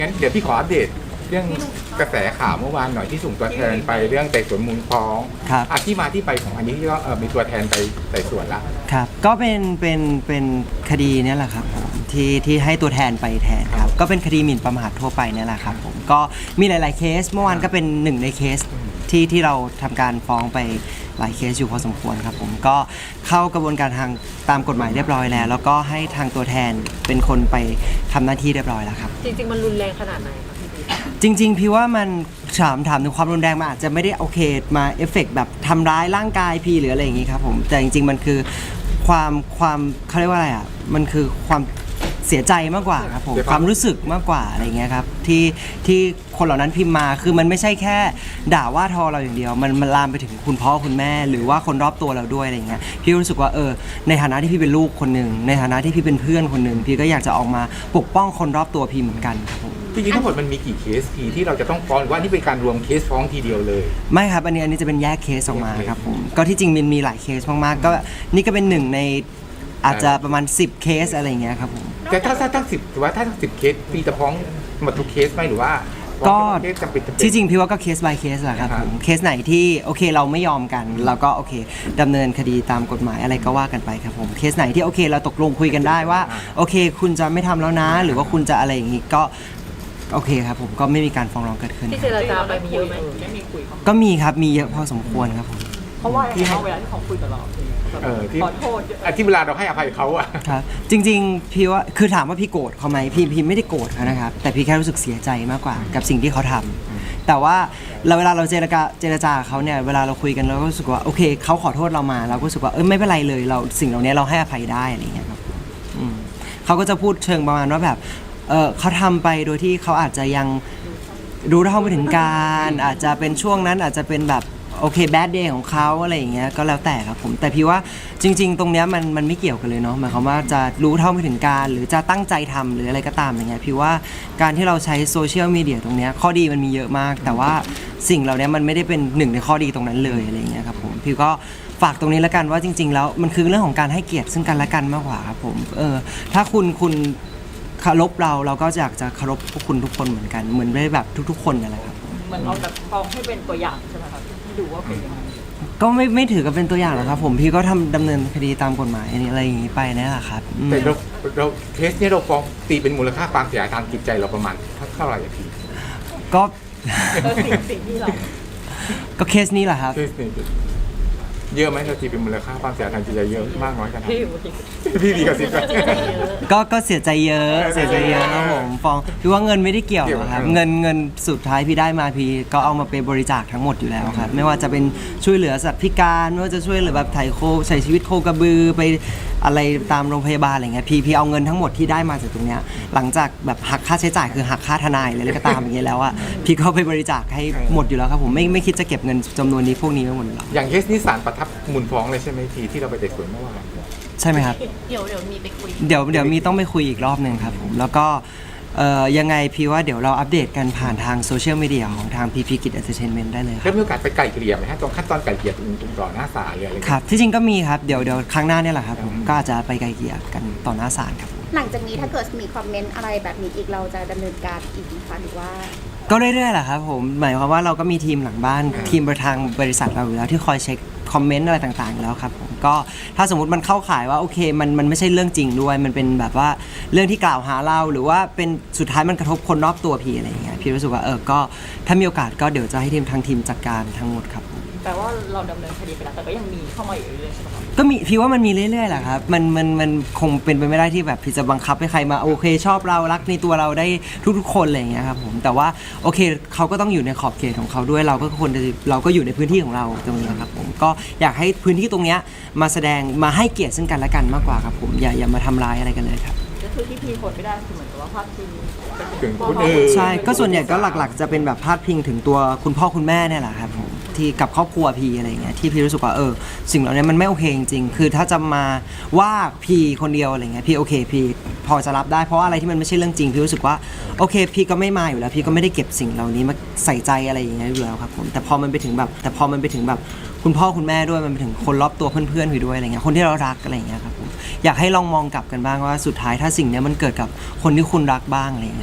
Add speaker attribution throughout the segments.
Speaker 1: งั้นเดี๋ยวพี่ขออัปเดตเรื่องกระแสข่าวเมื่อวานหน่อยที่ส่งตัวแทนไปเรื่องไต่สวนมูลฟ้อง
Speaker 2: ครับ
Speaker 1: ที่มาที่ไปของอันนี้ที่ว่ามีตัวแทนไปไต่สวนละ
Speaker 2: ครับก็เป็นคดีเนี่ยแหละครับผมที่ให้ตัวแทนไปแทนครับก็เป็นคดีหมิ่นประมาททั่วไปเนี่ยแหละครับผมก็มีหลายๆเคสเมื่อวานก็เป็นหนึ่งในเคสที่เราทำการฟ้องไปหลายเคสอยู่พอสมควรครับผมก็เข้ากระบวนการทางตามกฎหมายเรียบร้อยแล้วแล้วก็ให้ทางตัวแทนเป็นคนไปทำหน้าที่เรียบร้อยแล้วครับ
Speaker 3: จริงๆมันรุนแรงขนาดไหนครับพี่บิ๊ก
Speaker 2: จริงๆพี่ว่ามันถามถึงความรุนแรงมันอาจจะไม่ได้โอเคมาเอฟเฟกต์แบบทำร้ายร่างกายพี่หรืออะไรอย่างงี้ครับผมแต่จริงๆมันคือความเขาเรียกว่าอะไรอ่ะมันคือความเสียใจมากกว่าครับผมความรู้สึกมากกว่าอะไรเงี้ยครับที่คนเหล่านั้นพิมพ์มาคือมันไม่ใช่แค่ด่าว่าทอเราอย่างเดียวมันลามไปถึงคุณพ่อคุณแม่หรือว่าคนรอบตัวเราด้วยอะไรเงี้ยพี่รู้สึกว่าในฐานะที่พี่เป็นลูกคนหนึ่งในฐานะที่พี่เป็นเพื่อนคนหนึ่งพี่ก็อยากจะออกมาปกป้องคนรอบตัวพี่เหมือนกันครับผม
Speaker 1: จริงๆทั้งหมดมันมีกี่เคสที่เราจะต้องฟ้องหรือว่านี่เป็นการรวมเคสฟ้องทีเดียวเลย
Speaker 2: ไม่ครับอันนี้จะเป็นแยกเคสออกมาครับผมก็ที่จริงมันมีหลายเคสมากๆก็นี่ก็เป็นหนึ่งในอาจจะประมาณ10เคสอะไรเงี้ยครับผม
Speaker 1: แต่ถ้าทั้ง10หรือว่าถ้าทั้ง10เคสพี่จะฟ้องหมดทุกเคสไหมหรือว่า
Speaker 2: ก็ที่จริงพี่ว่าก็เคส by เคสแหละครับผมเคสไหนที่โอเคเราไม่ยอมกันเราก็โอเคดำเนินคดีตามกฎหมายอะไรก็ว่ากันไปครับผมเคสไหนที่โอเคเราตกลงคุยกันได้ว่าโอเคคุณจะไม่ทำแล้วนะหรือว่าคุณจะอะไรอย่างงี้ก็โอเคครับผมก็ไม่มีการฟ้องร้องเกิดขึ้น
Speaker 3: ที่เจรจาไปมีเยอะไหม
Speaker 2: ก็มีครับมีเยอะพอสมควรครับผม
Speaker 3: เพราะว่าเวลาที่เขาคุยกับเราขอโทษ
Speaker 1: ที่เวลาเราให้อภัยเขาอะ
Speaker 2: ครับจริงๆพี่ว่าคือถามว่าพี่โกรธเขาไหมพี่ไม่ได้โกรธเขานะครับแต่พี่แค่รู้สึกเสียใจมากกว่ากับสิ่งที่เขาทำแต่ว่าเวลาเราเจรจาเขาเนี่ยเวลาเราคุยกันเราก็รู้สึกว่าโอเคเขาขอโทษเรามาเราก็รู้สึกว่าไม่เป็นไรเลยเราสิ่งเหล่านี้เราให้อภัยได้อะไรอย่างเงี้ยครับเขาก็จะพูดเชิงประมาณว่าแบบเขาทำไปโดยที่เขาอาจจะยังรู้เท่าไม่ถึงการอาจจะเป็นช่วงนั้นอาจจะเป็นแบบโอเคแบดเดย์ของเขาอะไรอย่างเงี้ยก็แล้วแต่ครับผมแต่พี่ว่าจริงๆตรงเนี้ยมันไม่เกี่ยวกันเลยเนาะหมายความว่าจะรู้เท่าไม่ถึงการหรือจะตั้งใจทำหรืออะไรก็ตามอย่างเงี้ยพี่ว่าการที่เราใช้โซเชียลมีเดียตรงเนี้ยข้อดีมันมีเยอะมากแต่ว่าสิ่งเหล่านี้มันไม่ได้เป็นหนึ่งในข้อดีตรงนั้นเลยอะไรอย่างเงี้ยครับผมพี่ก็ฝากตรงนี้แล้วกันว่าจริงๆแล้วมันคือเรื่องของการให้เกียรติซึ่งกันและกันมากกว่าครับผมถ้าคุณเคารพเราก็อยากจะเคารพพวกคุณทุกคนเหมือนกันเหมือนได้แบบทุกๆคนนั่นแหละครับ
Speaker 3: เหมือนเอาแบบฟ้องให้เป็นตัวอย่างใช่ไหมครับให้ดูว่าเป็นยังไง
Speaker 2: ก็ไม่ถือกับเป็นตัวอย่างหรอกครับผมพี่ก็ดำเนินคดีตามกฎหมายอะไรอย่างนี้ไปนี่แหละครับ
Speaker 1: แต่เราเคสนี้เราฟ้องตีเป็นมูลค่าความเสียหายทางจิตใจเราประมาณเท่าไหร่พี่
Speaker 2: ก็
Speaker 3: สิ่งที่เรา
Speaker 2: ก็เคสนี้แหละครับ
Speaker 1: เยอะไหมเราตีเป็นมูลค่าความเสียหายทางจิตใจเยอะมากน้อยขนาดพี่ดีกับสิบ
Speaker 2: ก็เสียใจเยอะครับผมฟ้องพี่ว่าเงินไม่ได้เกี่ยวหรอกครับเงินสุดท้ายพี่ได้มาพี่ก็เอามาเป็นบริจาคทั้งหมดอยู่แล้วครับไม่ว่าจะเป็นช่วยเหลือสัตว์พิการไม่ว่าจะช่วยเหลือแบบไถ่โคใช้ชีวิตโคกระบือไปอะไรตามโรงพยาบาลอะไรเงี้ยพี่เอาเงินทั้งหมดที่ได้มาจากตรงเนี้ยหลังจากแบบหักค่าใช้จ่ายคือหักค่าทนายอะไรก็ตามอย่างเงี้ยแล้วอ่ะพี่ก็ไปบริจาคให้หมดอยู่แล้วครับผมไม่คิดจะเก็บเงินจำนวนนี้พวกนี้ไว้หมดหรอก
Speaker 1: อย่างเคสนี้ศาลประทับมูลฟ้องเลยใช่ไหมทีที่เราไปไต่สวนเมื่อวาน
Speaker 2: ใช่ไหมครับ
Speaker 3: เดี๋ยวมีไปคุย
Speaker 2: เดี๋ยวมีต้องไปคุยอีกรอบหนึ่งครับผมแล้วก็ยังไงพี่ว่าเดี๋ยวเราอัปเดตกันผ่านทางโซเชียลมีเดียของทางพีพีกิจเอนเตอร์เทนเมนต์ได้เลยครับ
Speaker 1: มีโอกาสไปไกลเกลี่ยไหมฮะตรงขั้นตอนไกลเกลี่ยตรงต่อหน้าศาลเลยอะไร
Speaker 2: ครับที่จริงก็มีครับเดี๋ยวครั้งหน้าเนี่ยแหละครับผมก็อาจจะไปไกลเกลี่ยกันต่อหน้าศาลครับ
Speaker 4: หลังจากนี้ถ้าเกิดมีคอมเมนต์อะไรแบบนี้อีกเราจะดำเนินการอีกนะคะหรือว่า
Speaker 2: ก็เรื่อยๆแหละครับผมหมายความว่าเราก็มีทีมหลังบ้านทีมทางบริษัทเราอยู่แล้วที่คอยเช็คคอมเมนต์อะไรต่างๆแล้วครับผมก็ถ้าสมมติมันเข้าข่ายว่าโอเคมันไม่ใช่เรื่องจริงด้วยมันเป็นแบบว่าเรื่องที่กล่าวหาเราหรือว่าเป็นสุดท้ายมันกระทบคนรอบตัวพี่อะไรอย่างเงี้ยพี่รู้สึกว่าก็ถ้ามีโอกาสก็เดี๋ยวจะให้ทางทีมจัดการทั้งหมดครับ
Speaker 3: แปลว่าเราดำเนินคดีไปแล้วแต่ก็ยังมีเข้ามาอีกเรื่อยๆใช่ไหมครับ
Speaker 2: ก็มีพี่ว่ามันมีเรื่อยๆแหละครับมันคงเป็นไปไม่ได้ที่แบบพี่จะบังคับให้ใครมาโอเคชอบเรารักในตัวเราได้ทุกๆคนอะไรอย่างเงี้ยครับผมแต่ว่าโอเคเขาก็ต้องอยู่ในขอบเขตของเขาด้วยเราก็อยู่ในพื้นที่ของเราตรงนี้ครับผมก็อยากให้พื้นที่ตรงเนี้ยมาแสดงมาให้เกียรติซึ่งกันและกันมากกว่าครับผมอย่ามาทำร้ายอะไรกันเลยครับ
Speaker 3: ก็คือที่พีคนไม่ได้คือเหมือนกับว่าพาดพิง
Speaker 1: ถึงคนอื่น
Speaker 2: ใช่ก็ส่วนใหญ่ก็หลักๆจะเป็นแบบพาดพิงถึงตัวคุณพ่อคุณแม่เนี่ยแหละครับผมที่กับครอบครัวพีอะไรเงี้ยที่พี่รู้สึกว่าสิ่งเหล่านี้มันไม่โอเคจริงๆคือถ้าจะมาว่าพีคนเดียวอะไรเงี้ยพี่โอเคพี่พอจะรับได้เพราะอะไรที่มันไม่ใช่เรื่องจริงพี่รู้สึกว่าโอเคพี่ก็ไม่มาอยู่แล้วพี่ก็ไม่ได้เก็บสิ่งเหล่านี้มาใส่ใจอะไรอย่างเงี้ยอยู่แล้วครับผมแต่พอมันไปถึงแบบคุณพ่อคุณแม่ด้วยมันไปถึงคนรอบตัวเพื่อนๆพี่ด้วยอะไรเงี้ยคนที่เรารักอะไรเงี้ยครับผมอยากให้ลองมองกลับกันบ้างว่าสุดท้ายถ้าสิ่งนี้มันเกิดกับคนที่คุณรักบ้างอะไรเงี้ย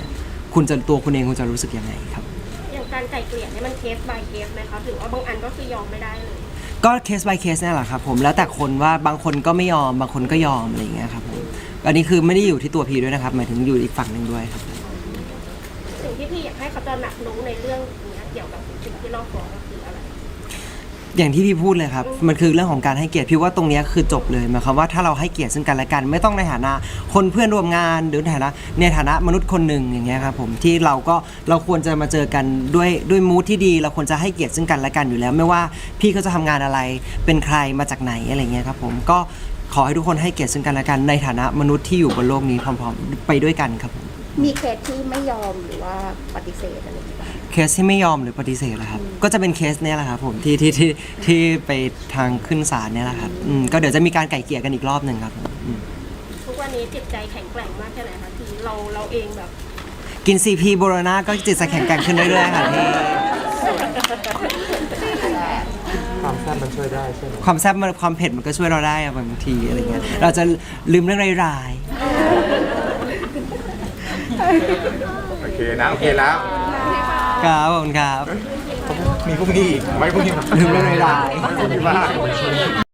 Speaker 2: ตัวคุณเองคุณจะรู้สึกยังไงครับ
Speaker 5: อย่างการไกล่เกลี่ยเนี่ยมันเคส by เคสไหมคะหรือว่าบางอันก็คือยอมไม่ได้เลย
Speaker 2: ก็เคส by เคสนี่แหละครับผมแล้วแต่คนว่าบางคนก็ไม่ยอมบางคนก็ยอมอะไรอย่างเงี้ยครับผมอันนี้คือไม่ได้อยู่ที่ตัวพีด้วยนะครับหมายถึงอยู่อีกฝั่งหนึ่งด้วยครับ
Speaker 5: สิ่งที่พี่อยากให้เขาตระหนักรู้ในเรื่องนี้เกี่ยวกับสิ่งที่เราฟ้องก็คืออะไร
Speaker 2: อย่างที่พี่พูดเลยครับมันคือเรื่องของการให้เกียรติพี่ว่าตรงเนี้ยคือจบเลยหมายความว่าถ้าเราให้เกียรติซึ่งกันและกันไม่ต้องในฐานะคนเพื่อนร่วมงานหรือในฐานะมนุษย์คนหนึ่งอย่างเงี้ยครับผมที่เราควรจะมาเจอกันด้วยมูทที่ดีเราควรจะให้เกียรติซึ่งกันและกันอยู่แล้ว ไม่ว่าพี่เขาจะทำงานอะไรเป็นใครมาจากไหนอะไรเงี้ยครับผมก็ขอให้ทุกคนให้เกียรติซึ่งกันและกันในฐานะมนุษย์ที่อยู่บนโลกนี้พร้อมๆไปด้วยกันครับผม
Speaker 4: มีเคสที่ไม่ยอมหรือว่าปฏิเสธอะไรอย่างเงี้ย
Speaker 2: เคสที่ไม่ยอมหรือปฏิเสธแหละครับก็จะเป็นเคสเนี้ยแหละครับผมที่ไปทางขึ้นศาลเนี่ยแหละครับก็เดี๋ยวจะมีการไก่เกลี่ยกันอีกรอบหนึ่งครับผม
Speaker 5: ทุกวันนี้จิตใจแข็งแกร่งมากแค่ไหนคะที่เราเองแบบ
Speaker 2: กิน CP โบโรนาก็จิตใจแข็งแกร่งขึ้นเรื่อยๆค่ะพี่
Speaker 1: ความแซ่บมันช่วยได้ใช่ไหม
Speaker 2: ความแซ่บความเผ็ดมันก็ช่วยเราได้อะบางทีอะไรเงี้ยเราจะลืมเรื่องร้าย
Speaker 1: โอเคนะโอเคแล้ว
Speaker 2: ๆครับขอบคุณครับ
Speaker 1: มีพรุ่งนี้อีกไว้พรุ่งนี้
Speaker 2: ลืมเรื่องร้าย
Speaker 1: ไว้พรุ่งนี้บ้าง